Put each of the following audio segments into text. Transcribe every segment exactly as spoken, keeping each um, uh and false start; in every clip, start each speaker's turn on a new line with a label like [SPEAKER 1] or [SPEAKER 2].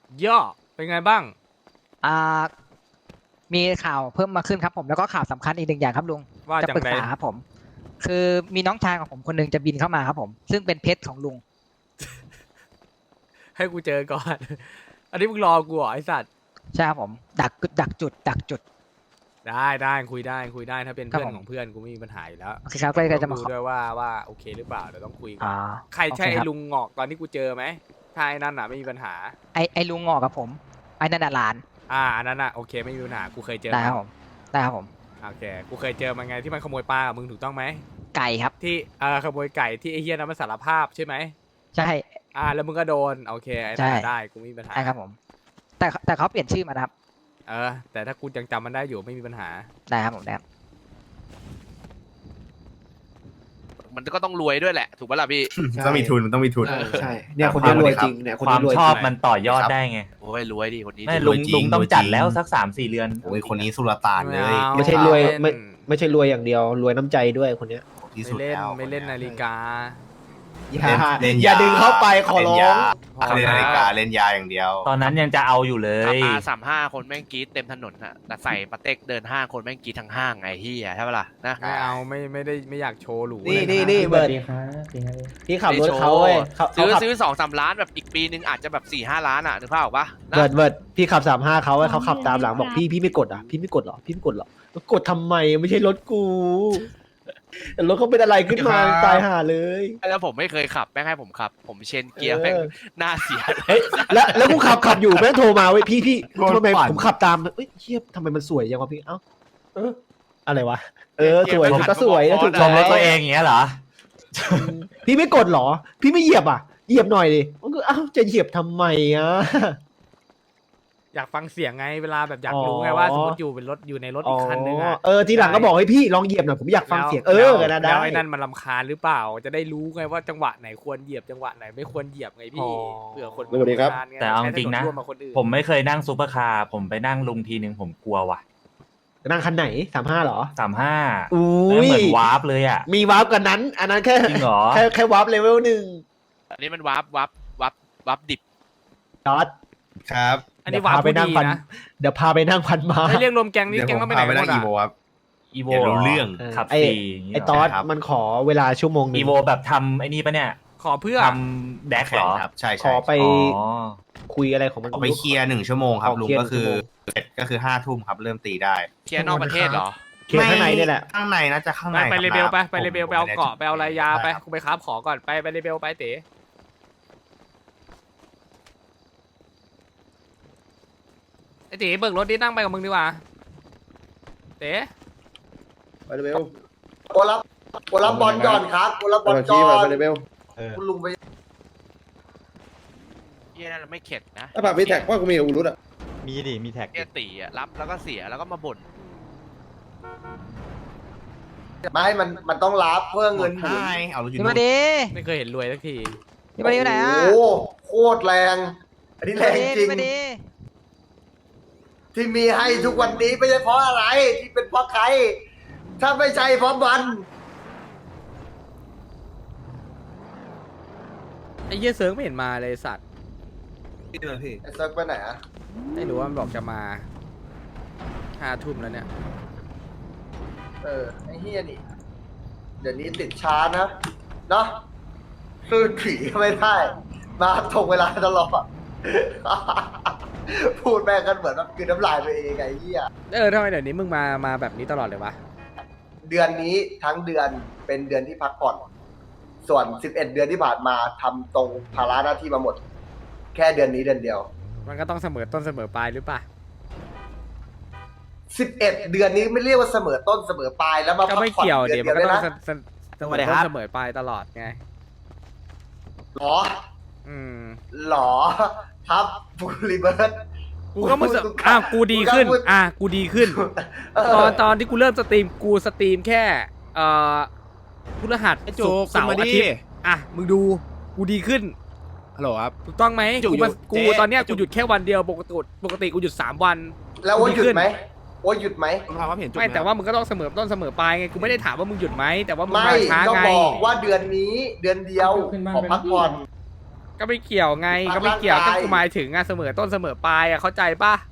[SPEAKER 1] ย่อเป็นไงบ้าง
[SPEAKER 2] อ่ามีข่าวเพิ่มมาขึ้นครับผมแล้วก็ข่าวสำคัญอีกหนึ่งอย่างครับลุง
[SPEAKER 1] ว่า
[SPEAKER 2] จะ
[SPEAKER 1] จัง
[SPEAKER 2] ปรึก
[SPEAKER 1] ได
[SPEAKER 2] ษาครับผม คือมีน้องชายของผมคนหนึงจะบินเข้ามาครับผม ซึ่งเป็นเพชรของลุง
[SPEAKER 1] ให้กูเจอก่อน อันนี้มึงรอกูเหรอไอสัตว์
[SPEAKER 2] ใช่ครับผม ดักดักจุด ดักจุด
[SPEAKER 1] ได้ได้คุยได้คุยได้ถ้าเป็น
[SPEAKER 2] ครับ
[SPEAKER 1] เพื่อน
[SPEAKER 2] ผม
[SPEAKER 1] ของเพื่อนกูไม่มีปัญหาอยู่แล้ว
[SPEAKER 2] โอเคครับก็เลย
[SPEAKER 1] ต้
[SPEAKER 2] จะ
[SPEAKER 1] อง
[SPEAKER 2] มา
[SPEAKER 1] ดู
[SPEAKER 2] ขอ
[SPEAKER 1] ด้วยว่าว่าโอเคหรือเปล่าเดี๋ยวต้องคุยกัน
[SPEAKER 2] อ่า
[SPEAKER 1] ใครใช่
[SPEAKER 2] โอเค
[SPEAKER 1] ไอ้
[SPEAKER 2] ครับ
[SPEAKER 1] ลุงงอกตอนที่กูเจอไหมถ้าไอ้นั่นอ่ะไม่มีปัญหา
[SPEAKER 2] ไอไอลุงงอกกับผม ไอนันนะหลาน
[SPEAKER 1] อ่าอันนั้นอ่ะโอเคไม่มีปัญหากูเคยเจอ
[SPEAKER 2] ได้ครับ
[SPEAKER 1] น
[SPEAKER 2] ผม ได้ครับผม
[SPEAKER 1] โอเคกูเคยเจอมันไงที่มันขโมยปลากับมึงถูกต้องไหม
[SPEAKER 2] ไก่ครับ
[SPEAKER 1] ที่เออขโมยไก่ที่ไอ้เฮียนั้นมันสารภาพใช่ไหม
[SPEAKER 2] ใช่
[SPEAKER 1] อ่าแล้วมึงก็โดนโอเคไอ้นั่น
[SPEAKER 2] ใช่
[SPEAKER 1] อะได้กูไม่มีปัญหา
[SPEAKER 2] ใช่ครับผม แต่แต่เขาเปลี่ยนชื่อมานะครับ
[SPEAKER 1] เออแต่ถ้ากูยังจำมันได้อยู่ไม่มีปัญหา
[SPEAKER 2] ได้ครับผมได้ครับ
[SPEAKER 3] มันก็ต้องรวยด้วยแหละ ถูกปะล่ะพี่
[SPEAKER 4] ต้องมีทุนมันต้องมีทุน
[SPEAKER 5] เออใช่เนี่ยคนนี้รวยจริงเนี่ยคน
[SPEAKER 6] ควา
[SPEAKER 5] นี้
[SPEAKER 6] ม
[SPEAKER 5] รวย
[SPEAKER 6] ชอบ
[SPEAKER 5] จริง
[SPEAKER 6] มันต่อยอดได้ไง
[SPEAKER 3] โอ้ยรวยดิคนนี้
[SPEAKER 6] ไม่
[SPEAKER 3] ดิ
[SPEAKER 6] ลุง
[SPEAKER 4] รวยจริง
[SPEAKER 6] ลุงต้อง
[SPEAKER 4] รวยจริง
[SPEAKER 6] จัดแล้วสักสามสี่เรือน
[SPEAKER 4] โอ้ยคนนี้สุลต่านเลย
[SPEAKER 5] ไม่ใช่รวยไม่ไม่ใช่รวยอย่างเดียวรวยน้ำใจด้วยคนเนี้ย
[SPEAKER 4] ที่
[SPEAKER 1] ไม่
[SPEAKER 4] สุด
[SPEAKER 1] เล่น
[SPEAKER 4] แล้ว
[SPEAKER 1] ไม่เล่นนาฬิกา
[SPEAKER 5] อย่า
[SPEAKER 4] เล่น
[SPEAKER 5] อย่าดึงเข้าไปขอร้อง
[SPEAKER 4] เล่นนาฬิกาเล่นยาอย่างเดียว
[SPEAKER 6] ตอนนั้นยังจะเอาอยู่เลย
[SPEAKER 3] อาสามห้าคนแม่งกรีดเต็มถนนอะแต่ใส่ปาเต็กเดินห้างคนแม่งกรีดทั้งห้างไงที่ใช่ปะล่ะนะ
[SPEAKER 1] ไม่เอาไม่ไม่ได้ไม่อยากโชว์หรู
[SPEAKER 5] นี่
[SPEAKER 1] เลยะ
[SPEAKER 5] นี่นี่เบิร์ดพี่ขับรถเขาเว้ยเขาเขา
[SPEAKER 3] ซื้อ
[SPEAKER 5] ขับ
[SPEAKER 3] ซื้อสองสามล้านแบบอีกปีนึงอาจจะแบบสี่ห้าล้านอะนึกภาพออกปะนะ
[SPEAKER 5] เบิร์ดเบิร์ดพี่ขับสามห้าเขาเว้ยเขาขับตามหลังบอกพี่พี่ไม่กดอ่ะพี่ไม่กดหรอพี่ไม่กดหรอกดทำไมไม่ใช่รถกูแต่รถเขาเป็นอะไรขึ้นมาตายห่าเลย
[SPEAKER 3] แล้วผมไม่เคยขับแม่งให้ผมขับ ผมเชนเกียร์แม่งหน้าเสีย
[SPEAKER 5] เฮ้ยแล้วแล้วกูขับขับอยู่แม่งโทรมาเว้ยพี่พี่
[SPEAKER 4] โดน
[SPEAKER 5] ทำไม
[SPEAKER 4] ปั่น
[SPEAKER 5] ผมขับตามเอ้ยเชี่ยทำไมมันสวยจังวะพี่เอ้าเอออะไรวะเออสวย
[SPEAKER 3] เกียร์มัน
[SPEAKER 5] ก็สวยนะ
[SPEAKER 3] ขั
[SPEAKER 5] ถู
[SPEAKER 3] ด
[SPEAKER 5] ก
[SPEAKER 6] ช
[SPEAKER 5] ต้อ
[SPEAKER 6] ม
[SPEAKER 5] ง
[SPEAKER 6] รถตัวเองอย่างเงี้ยเหรอ
[SPEAKER 5] พี่ไม่กดเหรอ พี่ไม่เหยียบอ่ะเหยียบหน่อยดิมันก็เอ้าจะเหยียบทำไมอ่ะ
[SPEAKER 1] อยากฟังเสียงไงเวลาแบบอยาก
[SPEAKER 5] อ๋อ
[SPEAKER 1] รู้ไงว่าสมมติอยู่เป็นรถอยู่ในรถอีกคันนึง
[SPEAKER 5] อ๋
[SPEAKER 1] อะ
[SPEAKER 5] อเออทีหลังก็บอกให้พี่ลองเหยียบหน่อยผมอยากฟังเสียงเออ
[SPEAKER 1] แล้ว
[SPEAKER 5] นะได้
[SPEAKER 1] แล้วไอ้นั่นมันรำคาญหรือเปล่า จะได้รู้ไงว่าจังหวะไหนควรเหยียบจังหวะไหนไม่ควรเหยียบไงพี่เผื่อคน
[SPEAKER 7] สวัสดีครับ
[SPEAKER 1] รำาญไ
[SPEAKER 6] แต่เอาจริงนะ
[SPEAKER 1] ใช้ถร่วมกับคนอื่น
[SPEAKER 6] ผมไม่เคยนั่งซูเปอร์คาร์ผมไปนั่งลุงทีนึงผมกลัวว่ะ
[SPEAKER 5] นั่งคันไหนสามห้าเหรอ
[SPEAKER 6] สามห้า
[SPEAKER 5] อุ้
[SPEAKER 6] เหมื
[SPEAKER 5] ย
[SPEAKER 6] อนวาร์ปเลยอ่ะ
[SPEAKER 5] มีวาร์ปกันนั้น อันนั้นแค่
[SPEAKER 6] จริงเหรอ
[SPEAKER 5] แค่แค่วาร์ปเลเวลหนึ่ง
[SPEAKER 3] อันนี้มันวับวับวับวับดิบ
[SPEAKER 5] จอด
[SPEAKER 4] ครับ
[SPEAKER 1] อันนี้หวาน
[SPEAKER 5] เดี๋ยวพาไป
[SPEAKER 1] ผู้
[SPEAKER 5] นั่ง
[SPEAKER 1] ดี
[SPEAKER 5] พัน
[SPEAKER 1] นะ
[SPEAKER 5] เดี๋ยวพาไปนั่งพันมา
[SPEAKER 1] ให้เรียกรวมแก๊งนี้
[SPEAKER 4] เดี๋ยว
[SPEAKER 1] แก๊ง
[SPEAKER 4] ผ
[SPEAKER 1] ต้อง
[SPEAKER 4] ม
[SPEAKER 1] ไปไหน
[SPEAKER 4] พาไป
[SPEAKER 1] หม
[SPEAKER 4] นั่ง
[SPEAKER 1] ด
[SPEAKER 4] อี
[SPEAKER 1] อะ
[SPEAKER 4] โวครับ
[SPEAKER 6] อีโว
[SPEAKER 4] เดี๋ยวรู้เรื่อง
[SPEAKER 6] ขับ
[SPEAKER 5] ไอ้
[SPEAKER 6] ฟรีย่างงี้
[SPEAKER 5] ไอ้
[SPEAKER 6] เหร
[SPEAKER 5] ตอด
[SPEAKER 4] ครับ
[SPEAKER 5] มันขอเวลาชั่วโมงหนึ
[SPEAKER 6] อี
[SPEAKER 5] ง
[SPEAKER 6] โวแบบทำไอ้นี่ปะเนี่ย
[SPEAKER 1] ขอเพื่อ
[SPEAKER 6] ทำแดกเหรอ
[SPEAKER 4] ครับใช่
[SPEAKER 5] ข
[SPEAKER 4] ใช่
[SPEAKER 5] อไป
[SPEAKER 6] อ๋อ
[SPEAKER 5] คุยอะไรของมัน
[SPEAKER 4] ขอไปเคลียร์หนึ่งชั่วโมงครับ
[SPEAKER 5] ขอ
[SPEAKER 4] ลุง
[SPEAKER 5] เคลียร์
[SPEAKER 4] ก็คือ
[SPEAKER 5] หนึ่งชั่วโมง
[SPEAKER 4] เสร็จก็คือห้าทุ่มครับเริ่มตีได้
[SPEAKER 3] เคลียร์นอกประเทศเหรอ
[SPEAKER 5] เคลียร์ข้างในนี่แหละ
[SPEAKER 4] ข้างในน่าจะข้าง
[SPEAKER 1] ไป
[SPEAKER 4] ใน
[SPEAKER 1] ไป
[SPEAKER 4] ค
[SPEAKER 1] เล
[SPEAKER 4] บ
[SPEAKER 1] เบลไป
[SPEAKER 4] นะ
[SPEAKER 1] ไปเลเบล
[SPEAKER 4] ผม
[SPEAKER 1] ไปเอา
[SPEAKER 4] ม่ด้
[SPEAKER 1] เกาะไปเอาลายยาไป
[SPEAKER 4] ด้ครับ
[SPEAKER 1] กูไปค้าบขอก่อนไปไปเลเบลไปเต๋ไอเต๋เบิกรถดินั่งไปกับมึงดีกว่าเต๋
[SPEAKER 7] ไปเลยเบล
[SPEAKER 8] โอรับโอรับบอลก่อนครับโอรับบอล
[SPEAKER 7] ไป
[SPEAKER 8] ก่
[SPEAKER 7] ชี้
[SPEAKER 8] อ
[SPEAKER 7] ไป
[SPEAKER 8] น
[SPEAKER 7] เลยเบล
[SPEAKER 8] คุณลุงไป
[SPEAKER 3] เยี่ยนั่นไม่เข็ดนะ
[SPEAKER 7] ถ้าผ่านพี่แท็กว่ากูมีอูรุตอ่ะ
[SPEAKER 6] มีดิมีแท็ก
[SPEAKER 3] เยี่ยตีอะรับแล้วก็เสียแล้วก็มาบ่น
[SPEAKER 8] ไม่มันมันต้องรับเพื่อเงินหมุน
[SPEAKER 4] ใช่เอารถอยู่
[SPEAKER 2] พี่
[SPEAKER 4] นู่
[SPEAKER 2] มาน ดี
[SPEAKER 1] ไม่เคยเห็นรวยสักที
[SPEAKER 2] พี่มาดีอยู่ไหนอ่ะ
[SPEAKER 8] โอ้โหโคตรแรง อันนี้แรงจริง
[SPEAKER 2] พี่มาดี
[SPEAKER 8] ที่มีให้ทุกวันนี้ไม่ใช่เพราะอะไร ที่เป็นเพราะใคร ถ้าไม่ใช่เพราะมัน
[SPEAKER 1] ไอ้เหี้ยเซิร์งไม่เห็นมาเลยสัตว์
[SPEAKER 8] ไอ้เซิร์ฟไปไหนอะ
[SPEAKER 1] ไม่รู้ว่ามันบอกจะมาห้าทุ่มแล้วเนี่ย
[SPEAKER 8] เออไอ้เฮียนี่ เดี๋ยวนี้ติดช้านะเนาะคือผีก็ไม่ได้ มาตรงเวลาตลอด พูดแม่งกันเหมือนแบบคือน้ำลายตัวเองไงเฮีย
[SPEAKER 1] เออทำไมเดี๋ยวนี้มึงมามาแบบนี้ตลอดเลยวะ
[SPEAKER 8] เดือนนี้ทั้งเดือนเป็นเดือนที่พักผ่อน ส่วนสิบเอ็ดเดือนที่ผ่านมาทำตรงภาระหน้าที่มาหมด แค่เดือนนี้เดือนเดียว
[SPEAKER 1] มันก็ต้องเสมอต้นเสมอปลายหรือเปล่า
[SPEAKER 8] สิบเอ็ดเดือนนี้ไม่เรียกว่าเสมอต้นเสมอปลายแล้วมา
[SPEAKER 1] ก็
[SPEAKER 8] พัก
[SPEAKER 1] ไม่
[SPEAKER 8] ผ่อน
[SPEAKER 1] เกี่ยว
[SPEAKER 8] เดื
[SPEAKER 1] เดี๋
[SPEAKER 8] อย
[SPEAKER 1] วน มัน
[SPEAKER 8] เดียว
[SPEAKER 1] ก็
[SPEAKER 8] ด้วย
[SPEAKER 1] ต้อง
[SPEAKER 8] นะ
[SPEAKER 1] เสเสมอต้นเสมอปลายตลอดไง
[SPEAKER 8] หรอ
[SPEAKER 1] อืม
[SPEAKER 8] หรอครับบูริเบิร์ต
[SPEAKER 1] กูก็มึง
[SPEAKER 8] กู
[SPEAKER 1] อ่ะกูดีขึ้น
[SPEAKER 8] กูก็พูด
[SPEAKER 1] อ่ะกูดีขึ้น ตอนตอนที่กูเริ่มสตรีมกูสตรีมแค่เอ่อพฤหัส
[SPEAKER 9] ไอ้จุ
[SPEAKER 1] ศุ
[SPEAKER 9] ก
[SPEAKER 1] กร์เสาร์
[SPEAKER 9] ขึ้นมา
[SPEAKER 1] อา
[SPEAKER 9] ดิ
[SPEAKER 1] ทิตย์อ่ะมึงดูกูดีขึ้น
[SPEAKER 9] ฮัลโหลครับ
[SPEAKER 1] ถูกต้องไหม
[SPEAKER 9] จุก
[SPEAKER 1] กูมา
[SPEAKER 9] อยู่
[SPEAKER 1] กู
[SPEAKER 9] เจ๊
[SPEAKER 1] ตอนเนี้ย
[SPEAKER 9] จุ
[SPEAKER 1] กู
[SPEAKER 9] ก
[SPEAKER 1] หยุดแค่วันเดียวปกติปกติกูหยุดสามวัน
[SPEAKER 8] แล้วว่าหยุดไหมว่าหยุดไหม
[SPEAKER 9] คุณพาว่าเห็นจุก
[SPEAKER 1] ไม่แต่ว่ามึงก็ต้องเสมอต้นเสมอปลายไงกูไม่ได้ถามว่ามึงหยุดไหมแต่ว่ามึง
[SPEAKER 8] ไม่
[SPEAKER 1] มาช้า
[SPEAKER 8] ก็
[SPEAKER 1] ไง
[SPEAKER 8] บอกว่าเดือนนี้เดือนเดียวขอพักผ่อน
[SPEAKER 1] ก็ไม่เกี่ยวไงก็ไม่เกี่ยวก็กูหมายถึงอะเสมอต้นเสมอปลายอะเข้าใจปะ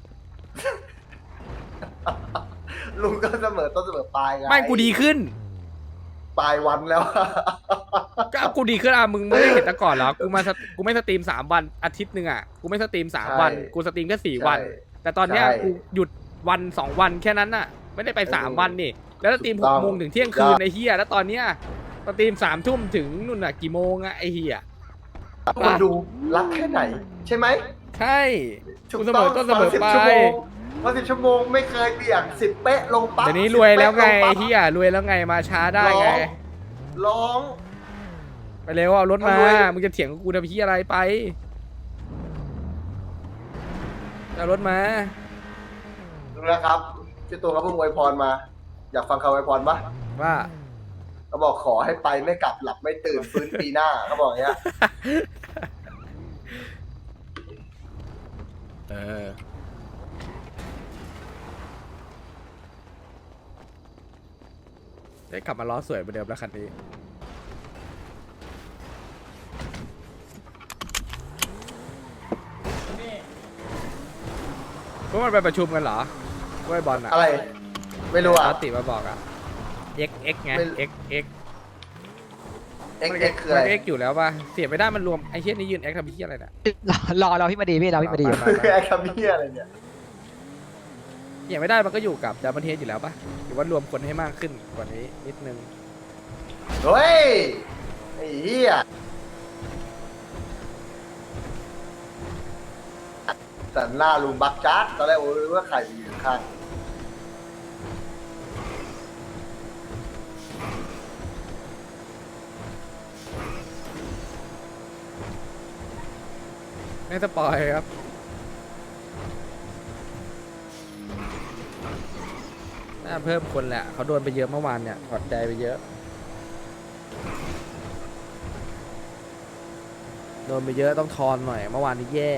[SPEAKER 8] ลุงก็เสมอต้นเสมอปลายไง
[SPEAKER 1] ไม่กูดีขึ้น
[SPEAKER 8] ปลายวันแล้ว
[SPEAKER 1] ก็เอากูดีขึ้นอ่ะมึงไม่ได้เห็นแต่ก่อนเหรอกูมาสตกูไม่สตรีมสามวันอาทิตย์หนึ่งอ่ะกูไม่สตรีมสาม
[SPEAKER 8] ใช่
[SPEAKER 1] วันกูสตรีมแค่สี่
[SPEAKER 8] ใช่
[SPEAKER 1] วัน แต่ตอนเนี้ย
[SPEAKER 8] ใช่
[SPEAKER 1] กูหยุดวันสองวันแค่นั้นน่ะ ไม่ได้ไปสาม
[SPEAKER 8] เออ
[SPEAKER 1] วันนี่แล้วสตรีม
[SPEAKER 8] ถู
[SPEAKER 1] ห
[SPEAKER 8] ก
[SPEAKER 1] ก
[SPEAKER 8] ต้อง
[SPEAKER 1] โมงถึงเที่ยงคืนไอ้เฮียแล้วตอนเนี้ยสตรีมสามทุ่มถึงนู่นน่ะกี่โมงอ่ะไอ้เฮีย
[SPEAKER 8] คนดูรักแค่ไหน ใช่ไหม
[SPEAKER 1] ใช่
[SPEAKER 8] ถู
[SPEAKER 1] กู
[SPEAKER 8] ก
[SPEAKER 1] เส
[SPEAKER 8] ต้
[SPEAKER 1] ม
[SPEAKER 8] อง
[SPEAKER 1] อต้นเสมอ
[SPEAKER 8] สิบ
[SPEAKER 1] ปลา
[SPEAKER 8] ชั่วโม
[SPEAKER 1] ย
[SPEAKER 8] งวันสิบชั่วโมงไม่เคยเบี่ยงสิบเป๊ะลงปั๊บ
[SPEAKER 1] เดี๋ยวนี้
[SPEAKER 8] สิบ
[SPEAKER 1] รวยแล้วไง
[SPEAKER 8] เป๊ะ
[SPEAKER 1] ไอ้
[SPEAKER 8] ปั๊บ
[SPEAKER 1] เฮียรวยแล้วไงมาช้าได้ไง
[SPEAKER 8] ร้อง ร้อง
[SPEAKER 1] ไปเร็วเอารถมา
[SPEAKER 8] เอารวย
[SPEAKER 1] มึงจะเถียงกับกูทำพี่อะไรไปเอารถมา
[SPEAKER 8] ดูนะครับพี่ตัวเขาเพิ่งอวยพรมา อยากฟังคำอวยพรปะ
[SPEAKER 1] ว่า
[SPEAKER 8] เขาบอกขอให้ไปไม่กลับหลับไม่ตื่นฟื้นปีหน้าเขาบอกอย่างเงี้ย
[SPEAKER 1] เออได้กลับมาล้อสวยเหมือนเดิมแล้วคันนี้พวกมันไปประชุมกันเหรอด้วยบอลอะ
[SPEAKER 8] อะไร ไม่รู้อ่ะ
[SPEAKER 1] อาติมาบอกอะ X X ไง
[SPEAKER 8] ไม่
[SPEAKER 1] X X
[SPEAKER 8] X X คืออะไร
[SPEAKER 1] มัน X อยู่แล้วป่ะเสียไม่ได้มันรวมไอ้เชี่ยนี่ยืน X ทำเชี่ยอะไรเนี่ย
[SPEAKER 2] รอรอรอพี่มาดีพี่รอพี่มาดีอยู่
[SPEAKER 1] ไป
[SPEAKER 8] คือไอ้คำเหี้ยอะไรเนี่ย
[SPEAKER 1] เสียไม่ได้มันก็อยู่กับดับเบิลเทสอยู่แล้วป่ะหรือว่ารวมคนให้มากขึ้นกว่านี้นิดนึง
[SPEAKER 8] เฮ้ย ไอ้เหี้ยแต่หน้าลุงบักจัดตอนแรกโอ้ยว่าใครอยู่ข้าง
[SPEAKER 1] ไม่สปอยครับน่าเพิ่มคนแหละเขาโดนไปเยอะเมื่อวานเนี่ยถอดใจไปเยอะโดนไปเยอะต้องทอนหน่อยเมื่อวานนี้แย่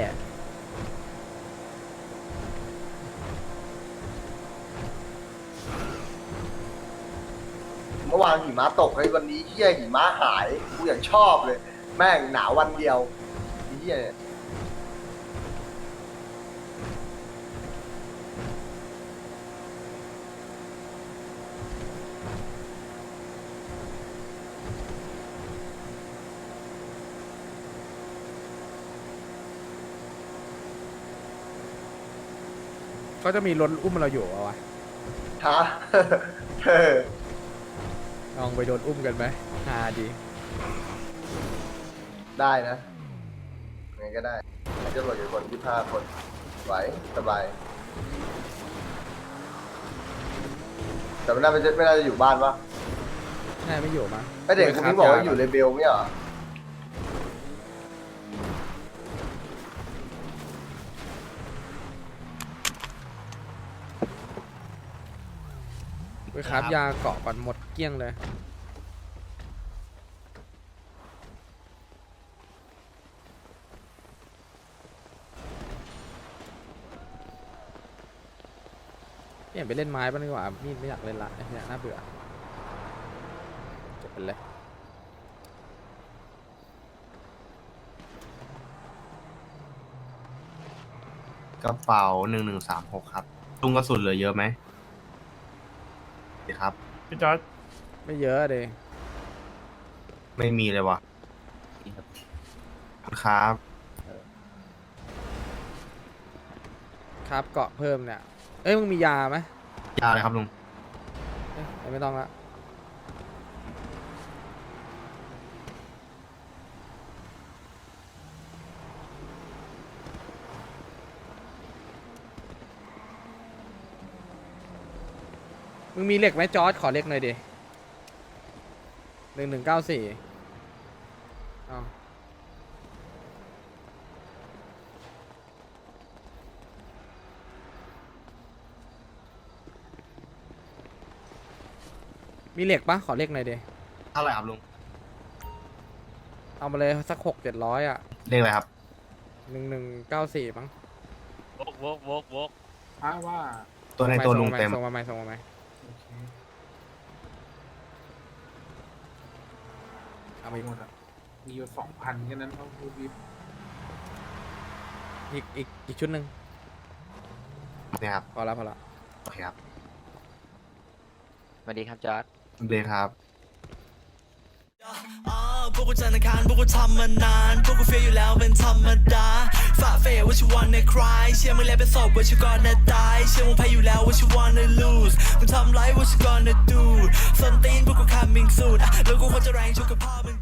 [SPEAKER 8] เมื่อวานหิมะตกไอ้วันนี้เหี้ยหิมะหายกูอย่างชอบเลย แม่งหนาววันเดียวไอ้เหี้ยเนี่ย
[SPEAKER 1] ก็จะมีรถอุ้มเราอยู่เอาวะ
[SPEAKER 8] ฮะ เออ
[SPEAKER 1] ลองไปโดนอุ้มกันไหมฮาดี
[SPEAKER 8] ได้นะไงก็ได้จะหลดอยู่คนที่ห้าคนไหวสบาย แต่ไม่น่าจะไม่น่าจะอยู่บ้านปะ
[SPEAKER 1] น่าไม่อยู่มั้ง
[SPEAKER 8] ไอเด็กคนนี้บอกว่าอยู่เลเบลไม่เหรอ
[SPEAKER 1] ไปครับยาเกาะก่อนหมดเกลี้ยงเลยเปลี่ยนไปเล่นไม้บ้างดีกว่ามีดไม่อยากเล่นละไอ้เนี่ยน่าเบื่อจบไปเลย
[SPEAKER 4] กระเป๋าหนึ่งหนึ่งสามหกครับลุงกระสุนเหลือเยอะไหมดีครับ
[SPEAKER 6] พี่จอร์ด
[SPEAKER 1] ไม่เยอะเลย
[SPEAKER 4] ไม่มีเลยวะครับ
[SPEAKER 1] ครับเกาะเพิ่มเนี่ยเอ้ยมึงมียาไหม
[SPEAKER 4] ยาวเลยครับลุง
[SPEAKER 1] เอ้ยไม่ต้องละมึงมีเหล็กไหมจอร์ดขอเหล็กหน่อยดิหนึ่งหนึ่งเก้าสี่อ้าวมีเหล็กปะขอเหล็กหน่อยดิ
[SPEAKER 4] เท่าไหร่ครับลุง
[SPEAKER 1] เอามาเลยสักหกเจ็ดร้อยอ่ะ
[SPEAKER 4] เลขอะไรครับ
[SPEAKER 1] หนึ่งหนึ่งเก้าสี่มั้ง
[SPEAKER 3] วกวกวกวก
[SPEAKER 4] ตัวในตัวลุงเต็ม
[SPEAKER 1] ส่งมาไหมส่งมาไหมเอาไปหมดอ่ะ
[SPEAKER 9] มีอยู่สองพันแค่นั้นเขาพูดวิบ
[SPEAKER 1] อีกอีกอีกชุดหนึ่ง
[SPEAKER 4] เนี่ยครับ
[SPEAKER 1] พอแล้วพอแล้ว
[SPEAKER 4] โอเคครับ
[SPEAKER 3] สวัสดีครับจอร์ด
[SPEAKER 4] เลยครับ
[SPEAKER 10] อ่าพวกกูจันทร์อังคารพวกกูทำมานาน พวกกูเฟียอยู่แล้วเป็นธรรมดาฝ่าเฟยว่าชิวันในคลายเชื่อมึงแล้วเป็นศพว่าชิวก่อนนะตายเชื่อมึงแพ้อยู่แล้วว่าชิวันใน lose มึงทำไรว่าชิวก่อนนะ do ส้นตีนพวกกู coming soon อ่ะแล้วกูควรจะแรงชุกกับพ่อมึง